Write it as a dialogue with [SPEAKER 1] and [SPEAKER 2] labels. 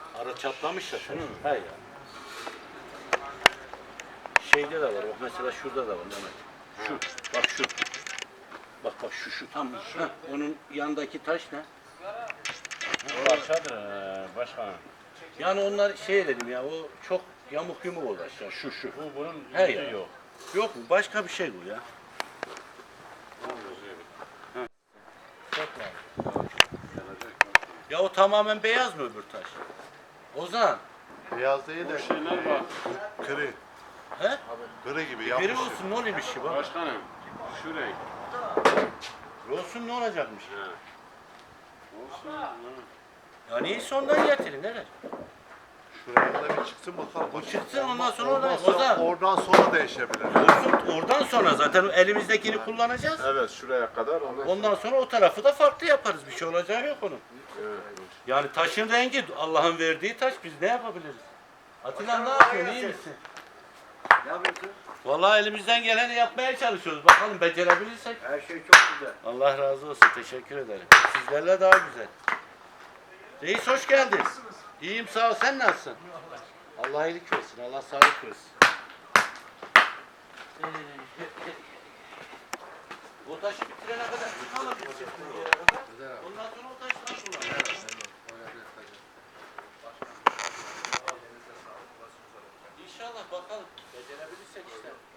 [SPEAKER 1] Ara çatlamış ya.
[SPEAKER 2] Şunu mu?
[SPEAKER 1] He ya. Şeyde de var. Bak mesela şurada da var Mehmet. Şu. Bak şu. Bak şu tam şu. Onun yanındaki taş ne?
[SPEAKER 2] O aşağıdır başkanım.
[SPEAKER 1] Yani onlar şey dedim ya o çok yamuk yumuk oldu aşağı. Şu.
[SPEAKER 2] Bu bunun
[SPEAKER 1] He
[SPEAKER 2] yüzü
[SPEAKER 1] ya.
[SPEAKER 2] yok.
[SPEAKER 1] Yok mu? Başka bir şey bu ya. Ya o tamamen beyaz mı öbür taş? Ozan.
[SPEAKER 3] Beyaz değil de
[SPEAKER 2] Şeyler bak.
[SPEAKER 3] kırı.
[SPEAKER 1] He?
[SPEAKER 3] Kırı gibi
[SPEAKER 1] Biri
[SPEAKER 3] yapmış.
[SPEAKER 1] olsun ne oluyormuş ki bak.
[SPEAKER 2] Başkanım şu renk.
[SPEAKER 1] Olsun ne olacakmış?
[SPEAKER 2] He. Olsun. Ha.
[SPEAKER 1] Ya neyse ondan getirin neler?
[SPEAKER 3] Şuraya da bir çıksın bakalım.
[SPEAKER 1] Bu çıksın ondan sonra
[SPEAKER 3] Oradan
[SPEAKER 1] oradan.
[SPEAKER 3] sonra,
[SPEAKER 1] Ozan.
[SPEAKER 3] oradan sonra değişebilir.
[SPEAKER 1] Olsun oradan sonra zaten elimizdekini kullanacağız.
[SPEAKER 2] Evet şuraya kadar.
[SPEAKER 1] Ondan sonra o tarafı da farklı yaparız. Bir şey olacağı yok onun. Yani taşın rengi Allah'ın verdiği taş biz ne yapabiliriz? Atilla ne yapıyorsun? İyi misin?
[SPEAKER 4] Ne yapıyorsun?
[SPEAKER 1] Vallahi elimizden geleni yapmaya çalışıyoruz. Bakalım becerebilirsek.
[SPEAKER 4] Her şey çok güzel.
[SPEAKER 1] Allah razı olsun. Teşekkür ederim. Sizlerle daha güzel. Reis hoş geldin. İyiyim sağ ol. Sen nasılsın? Allah iyilik versin. Allah sağlık versin. O taşı bitirene kadar çıkalım. Ondan sonra o taşları kullanalım. İnşallah bakalım. Becerebilirsek işte.